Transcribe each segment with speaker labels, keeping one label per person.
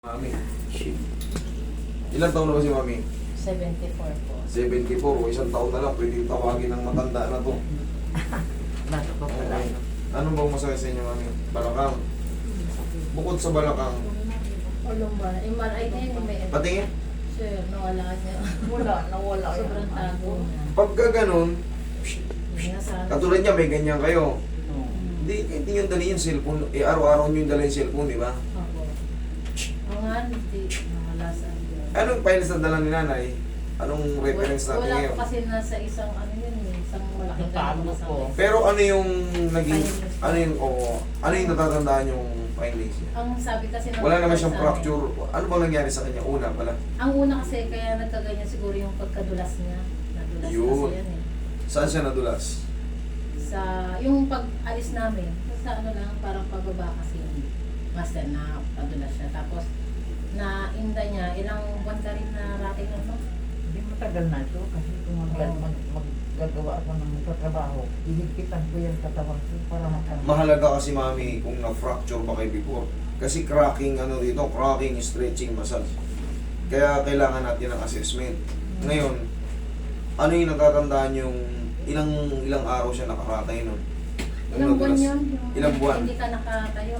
Speaker 1: Mami. Ilang taon na ba si Mami?
Speaker 2: 74 po.
Speaker 1: 74 o isang taon na lang, pwede tawagin ng matanda na to.
Speaker 3: Bago pa pala.
Speaker 1: Okay. Ano bang masakit sa inyo, Mami? Balakang. Bukod sa balakang,
Speaker 2: O lumbar. MRI na yun, may
Speaker 1: patingin.
Speaker 2: Sir, nawala niya.
Speaker 3: Nawala.
Speaker 2: Sobrang tago niya.
Speaker 1: Pagka ganun,
Speaker 2: Nasa...
Speaker 1: katulad niya, may ganyan kayo.
Speaker 3: Oo.
Speaker 1: Hindi nyo dali yung cellphone. Araw-araw nyo yung dali yung cellphone, di ba?
Speaker 2: Opo. O nga, hindi. Nawala sa...
Speaker 1: Anong files na dala ni nanay? Anong reference natin
Speaker 2: Wala
Speaker 1: ngayon?
Speaker 2: po kasi nasa isang ano yun eh. Isang malaking
Speaker 3: Tago
Speaker 2: ganun sa
Speaker 3: po.
Speaker 2: mesa.
Speaker 1: Pero ano yung naging,
Speaker 2: Findings.
Speaker 1: ano yung natatandaan yung findings niya?
Speaker 2: Ang sabi kasi ng
Speaker 1: Wala naman siyang
Speaker 2: sa amin,
Speaker 1: fracture. Ano bang nangyari sa kanya? Una pala.
Speaker 2: Ang una kasi kaya nagkaganyan siguro yung pagkadulas niya. Nadulas
Speaker 1: Yun.
Speaker 2: kasi yan eh.
Speaker 1: Saan siya nadulas?
Speaker 2: Sa yung pag-alis namin, sa ano lang, parang pababa kasi yung master na padulas siya. Tapos, na inda niya, ilang buwan ka rin na rating ano?
Speaker 3: Hindi matagal na ito kasi kung maggagawa ako ng trabaho, ihigpitan ko yung katawan ko para makamit.
Speaker 1: Mahalaga kasi mami kung na-fracture ba kayo before. Kasi cracking ano dito, cracking, stretching, massage. Kaya kailangan natin ng assessment. Ngayon, ano yung natatandaan yung ilang araw siya nakaratay nun?
Speaker 2: Ilang buwan yun?
Speaker 1: Ilang buwan?
Speaker 2: Hindi ka nakatayo.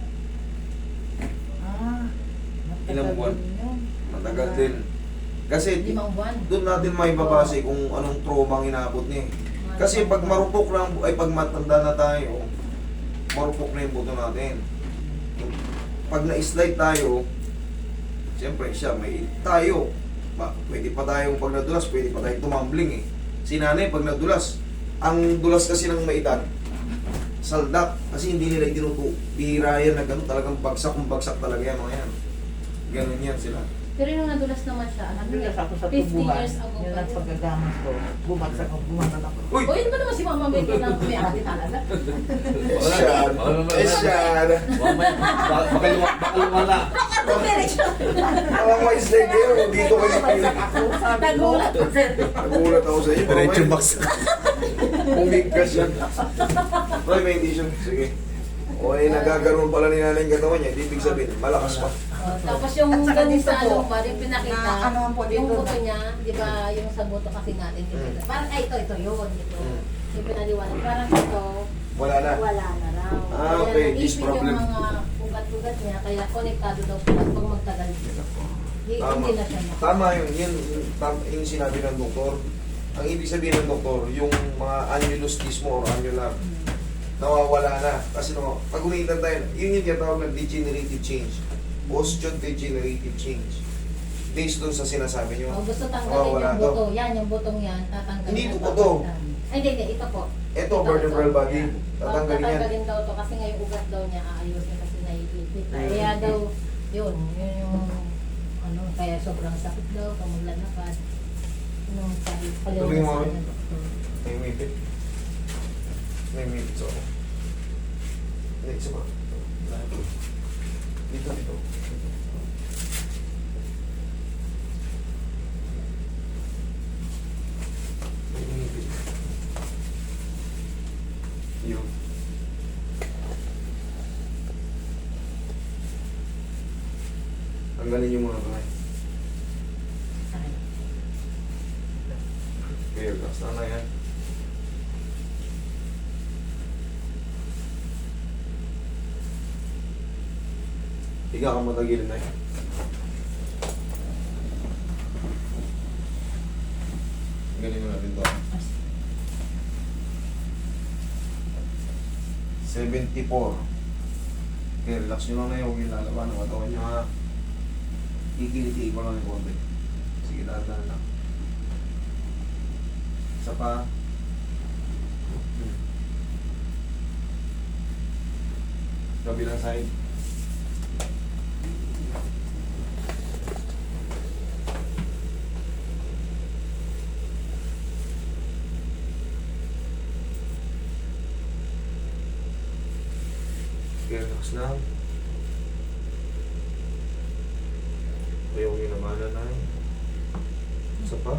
Speaker 3: Matagal
Speaker 1: Ilang buwan?
Speaker 3: din yun.
Speaker 1: Matagal din. Kasi
Speaker 2: 5 buwan.
Speaker 1: doon natin may babase kung anong trauma ang inabot niya. Kasi pag marupok na, pag matanda na tayo, marupok na yung buto natin. Pag na-slide tayo, siyempre siya, may tayo. Pwede pa tayong pag nadulas, pwede pa tayong tumambling eh. Si nanay, pag nadulas, ang dulas kasi ng may edad, saldak, kasi hindi nila itinuto. Bihira yan na gano'n, talagang bagsak kung bagsak talaga yan mga yan. Ganun yan sila.
Speaker 2: Pero yung nadulas naman siya, ano
Speaker 3: Nadulas ako sa
Speaker 2: 50
Speaker 3: tubuhan.
Speaker 2: years ago
Speaker 3: Yun
Speaker 2: pa
Speaker 3: ang
Speaker 2: yun.
Speaker 3: pagkagamas ko. Bumagsak ako, bumanat ako.
Speaker 1: Uy!
Speaker 2: O yun ba naman si Mama May na may ate talaga?
Speaker 1: Esyan! Esyan!
Speaker 4: Baka lumala.
Speaker 1: Alam mo, slide kayo, dito kayo
Speaker 3: Bumagsak ako, sabi ko.
Speaker 2: Nagulat ko sir.
Speaker 1: Nagulat ako sa iyo.
Speaker 4: Diretso baksa.
Speaker 1: Umigkas yan. Roy, may tissue. Sige. O, nagagaroon pala ni nanay yung katawan niya. Hindi ibig sabihin, malakas pa.
Speaker 2: Tapos yung
Speaker 3: At saka
Speaker 2: ganun
Speaker 3: dito
Speaker 2: sa
Speaker 3: po,
Speaker 2: lumbar, yung pinakita,
Speaker 3: na ano po
Speaker 2: yung
Speaker 3: dito.
Speaker 2: buto niya, di ba yung sa buto kasi natin, dito. Parang ay ito yun, ito.
Speaker 1: Mm.
Speaker 2: Yung pinaliwanag, parang ito,
Speaker 1: Wala na.
Speaker 2: wala na raw.
Speaker 1: Ah, okay,
Speaker 2: Kaya
Speaker 1: this
Speaker 2: naipit
Speaker 1: problem.
Speaker 2: yung mga ugat-ugat niya, kaya konektado daw sila pag magtagal.
Speaker 1: Tama.
Speaker 2: Hindi na siya maka-
Speaker 1: Tama yun. Yung sinabi ng doktor. Ang ibig sabihin ng doktor, yung mga annulus mo or annular, nawawala na. Kasi pag umiitan tayo, yun yung tinatawag ng degenerative change. Osteodegenerative change. Based dun sa sinasabi nyo.
Speaker 2: Oh, gusto tanggalin
Speaker 1: nawawala
Speaker 2: yung
Speaker 1: to.
Speaker 2: buto. Yan, yung butong yan, tatanggalin.
Speaker 1: Hindi ito
Speaker 2: at
Speaker 1: buto.
Speaker 2: papalitan. Ay, hindi, ito po.
Speaker 1: Ito, vertebral body. Tatanggalin yan.
Speaker 2: Tatanggalin daw to kasi nga yung ugat daw niya aayusin kasi naiipit.
Speaker 1: Mm.
Speaker 2: Kaya daw, yun yung ano, kaya sobrang sakit daw pag maglalakad. Yung sabi,
Speaker 1: Tuloy mo
Speaker 2: paliwanag
Speaker 1: rin.
Speaker 2: sa doktor.
Speaker 1: May umipit. May umipit sa ako. Hindi, isa pa. Dito. May umipit. Yun. Tanggalin yung mga kamay.
Speaker 2: Ay,
Speaker 1: Okay, basta na yan. Higa ka matagilin na yan. Galing mo natin to. 74. Okay, relax nyo lang na yun. Huwag yung lalaban ng katawan nyo ha. Kikiliti ko lang yung konti. Sige, dahan-dahan lang. Isa pa. Kabilang side. Okay, relax lang. Ayaw yung namanan na yun. Isa pa.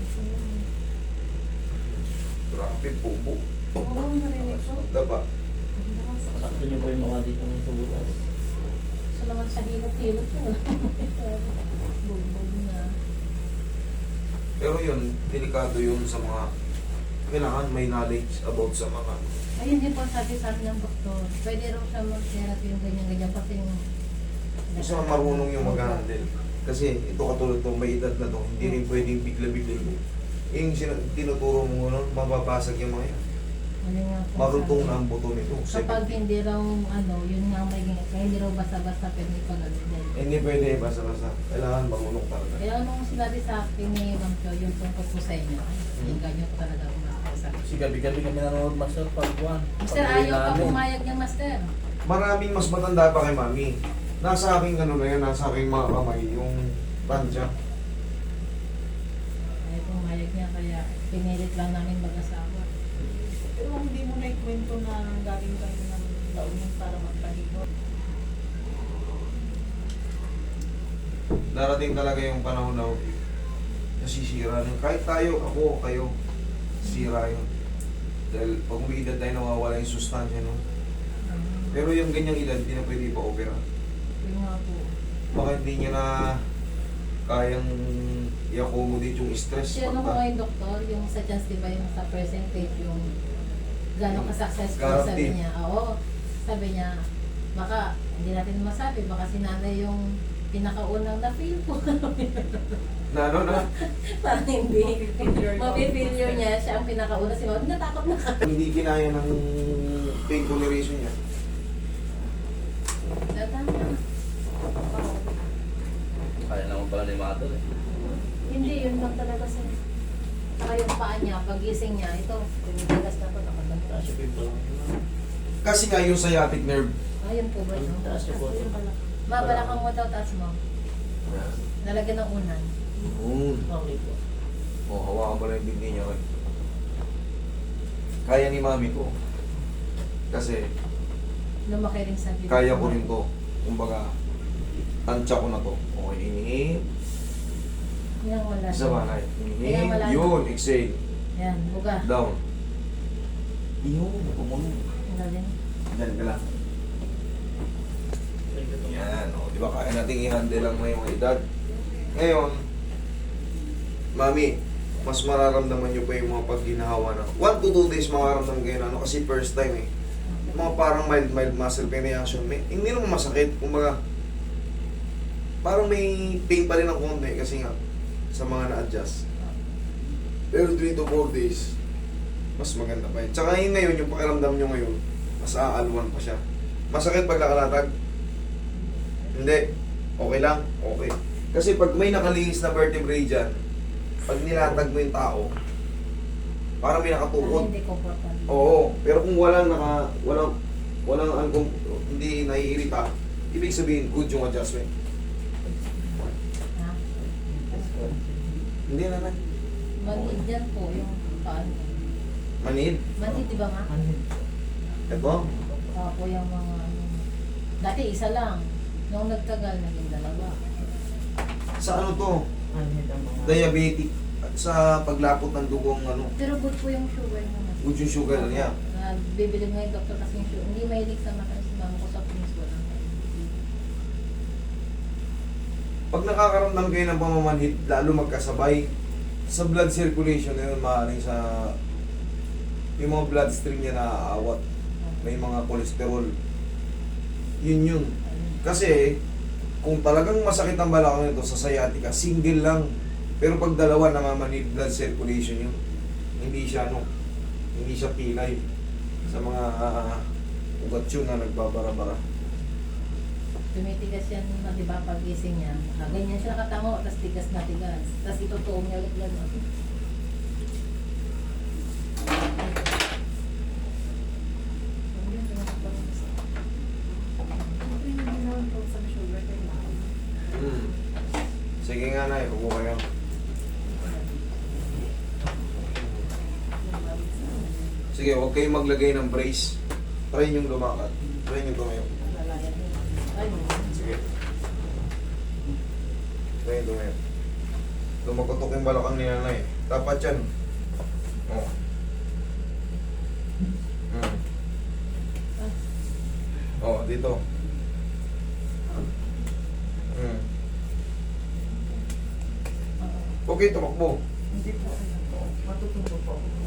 Speaker 1: Grabe, bubo.
Speaker 2: Oo, narinig ko.
Speaker 1: Daba.
Speaker 4: Sakto niyo po yung mga dito ng sa butas.
Speaker 2: Sa naman sa hilot-hilot ko. Bugbog na.
Speaker 1: Pero yun, delikado yun sa mga kailangan may knowledge about sa mga
Speaker 2: Ayun din po sabi sa amin ng doktor. Pwede raw siya mag-therapy yung ganyan-ganyan kasi yung...
Speaker 1: gusto na marunong yung mag-handle. Kasi ito katulad to, may edad na to, hindi rin pwedeng bigla-bigla yun. Yung tinuturo mo nun, mababasag yung mga yan.
Speaker 2: Ano nga po
Speaker 1: Marutong
Speaker 2: sabi.
Speaker 1: na ang buto nito.
Speaker 2: Kapag hindi raw, yun nga may kaya hindi raw basta-basta pwede ipagalitin.
Speaker 1: Hindi pwede basta-basta. Kailangan marunong talaga.
Speaker 2: Kaya anong sinabi sa akin ni Ma'am Cho, yung tungkol po sa inyo, yung ganyan po talaga umakakausap.
Speaker 4: Kasi gabi-gabi kami nanonood master pag buwan.
Speaker 2: Master, ayaw pa pumayag niya, Master.
Speaker 1: Maraming mas matanda pa kay Mami. Nasa aking ano na yan, nasa aking mga kamay, yung tansya.
Speaker 2: Ayaw pumayag niya, kaya pinilit lang namin mag-asawa.
Speaker 3: Pero hindi mo na ikwento na galing kayo ng launin para magpahigo.
Speaker 1: Darating talaga yung panahon na nasisira rin. Kahit tayo, ako, kayo, sira yun. Dahil pag may edad tayo, nawawala yung sustansya nun. Pero yung ganyang edad, hindi na pwede pa-opera.
Speaker 2: Yun nga po.
Speaker 1: Baka hindi niya na kayang i-accommodate yung stress.
Speaker 2: Kasi ano ko
Speaker 1: Pagka-
Speaker 2: ngayon, doktor, yung sa chance, di ba, yung sa percentage, yung gano'ng ka-successful,
Speaker 1: Guaranteed.
Speaker 2: sabi niya. Oo, sabi niya, baka, hindi natin masabi, baka si nanay yung pinakaunang na-feel po.
Speaker 1: Na ano na?
Speaker 2: Parang hindi.
Speaker 3: Failure.
Speaker 2: Mapi-failure niya, siya ang pinakauna. Si Mami, natakot na ka.
Speaker 1: Hindi kinaya ng pain toleration niya.
Speaker 2: Tama.
Speaker 4: Kaya naman pala ni Mother eh.
Speaker 2: Hindi, yun lang talaga sa... Saka yung paa niya, pagising niya, ito, pinitigas na to, nakaganto.
Speaker 4: Taas yung pimple.
Speaker 1: Kasi nga yung sciatic nerve.
Speaker 2: Ayun po ba yun?
Speaker 4: Taas yung photo.
Speaker 2: Mabalakang mo daw, taas mo. Nalagyan ng unan.
Speaker 4: Okay po.
Speaker 1: O, hawakan mo lang yung bindi niya. Kaya ni mami ko. Kasi
Speaker 2: Lumaki rin sa bibig.
Speaker 1: kaya ko rin to. Kumbaga, tansya ko na to. Okay, inhale.
Speaker 2: Yan, wala.
Speaker 1: Isa ba na?
Speaker 2: Ayan, wala.
Speaker 1: Inhale. Yun, exhale.
Speaker 2: Yan, buga.
Speaker 1: Down. Yun, pumunod.
Speaker 2: Wala din.
Speaker 1: Yan ka lang. Yan, o. Di ba kaya natin i-handle lang ngayong edad? Ngayon, mami, mas mararamdaman nyo pa yung mga pag ginahawa na. 1 to 2 days makaramdaman kayo na ano kasi first time eh. Mga parang mild muscle pain reaction. Hindi naman masakit. Kumbaga, parang may pain pa rin ang konti kasi nga sa mga na-adjust. Pero 3 to 4 days, mas maganda pa yun. Tsaka yun ngayon, yung pakiramdam nyo ngayon, mas aalwan pa siya. Masakit pag nakalatag? Hindi. Okay lang? Okay. Kasi pag may nakalihis na vertebrae dyan, pag nilatag mo yung tao, parang may nakatukod.
Speaker 2: Hindi comfortable.
Speaker 1: Oo, pero kung walang hindi naiirita, ibig sabihin good yung adjustment.
Speaker 2: Ha?
Speaker 1: Hindi naman.
Speaker 2: Manid yan po yung paan.
Speaker 1: Manid.
Speaker 2: Manid, di ba nga?
Speaker 1: Ito.
Speaker 2: Po yung mga ano. Dati isa lang. Nung nagtagal, naging dalawa.
Speaker 1: Sa ano to?
Speaker 3: Anhid ang mga...
Speaker 1: Diabetic. Sa paglapot ng dugong ano.
Speaker 2: Pero good po yung sugar naman.
Speaker 1: Good yung sugar niya.
Speaker 2: Bibili nga yung doktor kasi yung sugar. Hindi mahilig sa matamis. Mama ko sa pins wala.
Speaker 1: Pag nakakaramdam kayo ng pamamanhid, lalo magkasabay, sa blood circulation na yun, maaaring sa yung mga bloodstream niya naaawat. May mga cholesterol. Yun. Kasi, kung talagang masakit ang balakang nito sa sciatica, single lang. Pero pag dalawa, namamanid blood circulation yun. Hindi siya pilay sa mga ugat yun na nagbabara-bara.
Speaker 2: Tumitigas yan, di ba, pag-gising niya. Ganyan siya nakatango, tapos tigas na tigas. Tapos itutuong niya ulit gano'n.
Speaker 1: Sige nga na, upo kayo. Sige, huwag kayong maglagay ng brace. Try nyo lumakad. Try nyo tumayo.
Speaker 2: Ay,
Speaker 1: Sige. Try nyo tumayo. Lumakotok yung balakang ni nanay. Dapat yan. Oh. Oh, dito. Huwag kayo tumakbo.
Speaker 3: Hindi po. Matututo po ako.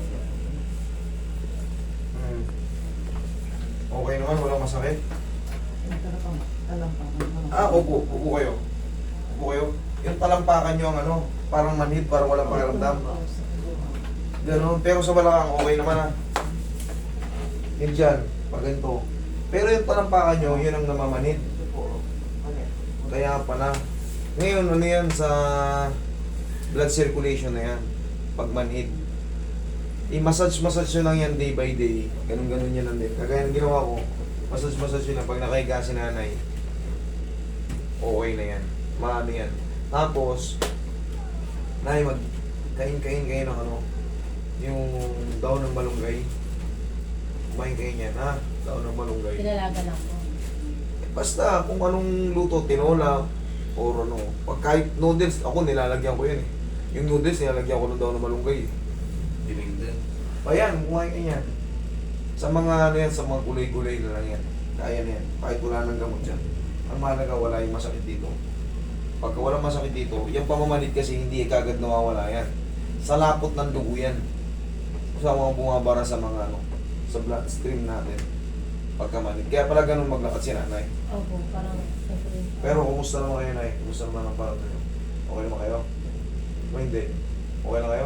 Speaker 1: Hmm. Okay naman, walang masakit.
Speaker 3: Yung talampang.
Speaker 1: Ah, upo. Upo kayo. Upo kayo. Yung talampakan nyo ang ano, parang manhid, parang walang pakiramdam. Ganon. Pero sa balakang, okay naman ah. Yun dyan, pag ganito. Pero yung talampakan nyo, yun ang namamanhid. Kaya pala. Ngayon, ano yan sa blood circulation na yan. Pag manhid. I-massage nyo lang yan day by day. Ganun-ganun yan lang din. Kagaya ng ginawa ko, massage nyo lang. Pag nakahiga si nanay, okay na yan. Maano yan. Tapos, nay, kain kayo ng ano, yung daon ng malunggay. Kumain kayo niyan, ha? Daon ng malunggay.
Speaker 2: Pinalaga lang po.
Speaker 1: Basta kung anong luto, tinola, or ano. Pag kahit noodles, ako nilalagyan ko yan eh. Yung noodles, nilalagyan ko ng daon ng malunggay eh.
Speaker 4: Dinig din.
Speaker 1: Ayan, kumain ka yan. Sa mga ano yan, sa mga gulay-gulay na lang yan. Kaya na yan. Kahit wala nang gamot dyan. Ang mahalaga, wala yung masakit dito. Pagka walang masakit dito, yung pamamanid kasi hindi kagad nawawala yan. Sa lapot ng dugo yan. Sa mga bumabara sa mga ano, sa bloodstream natin. Pagkamanid. Kaya pala ganun maglakad si nanay.
Speaker 2: Opo, parang siyempre.
Speaker 1: Pero kumusta naman kayo, nay? Kumusta naman ang parang nyo? Okay naman kayo? O hindi? Okay na kayo?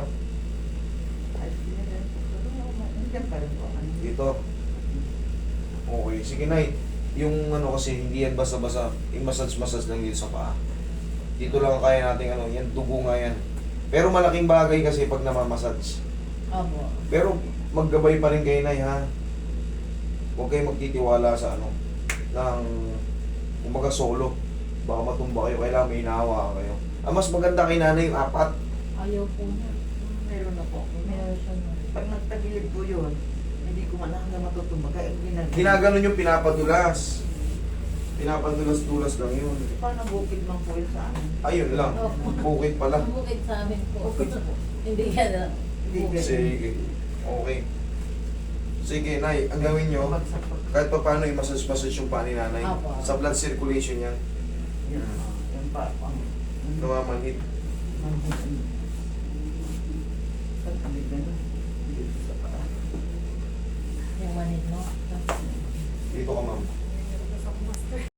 Speaker 3: Nandiyan pa rin po.
Speaker 1: Dito? Okay. Sige, nay. Yung ano kasi, hindi yan basta-basta. I-massage lang dito sa paa. Dito lang ang kaya natin ano. Yan, dugo nga yan. Pero malaking bagay kasi pag namamassage.
Speaker 2: Opo.
Speaker 1: Pero maggabay pa rin kayo, nay, ha? Huwag kayo magtitiwala sa ano. Ng, kumbaga solo. Baka matumba kayo. Kailangan may hinahawa kayo. Ang mas maganda kay nanay yung apat.
Speaker 2: Ayaw po niya.
Speaker 3: Meron na po.
Speaker 2: Meron siya na.
Speaker 3: Pag nagtagilid po yun, hindi ko man hanggang matutumba. Kaya
Speaker 1: Ginaganon yung pinapadulas. Pinapadulas-dulas lang yun.
Speaker 3: Paano bukid man po yun sa amin?
Speaker 1: Ayun lang. Bukit pala.
Speaker 2: Ang bukid sa amin po.
Speaker 3: Bukid po.
Speaker 2: Hindi ka na.
Speaker 3: Hindi ka.
Speaker 1: Sige. Okay. Sige, nay. Ang gawin nyo,
Speaker 3: Bagsak po.
Speaker 1: kahit pa paano i-massage yung paa ni nanay.
Speaker 2: Apo.
Speaker 1: Sa blood circulation yan.
Speaker 3: Yan. Yan pa.
Speaker 1: Namamanhid.
Speaker 3: Pag kami ganun, dito sa paa.
Speaker 2: Yung manid mo.
Speaker 1: Dito ka, ma'am.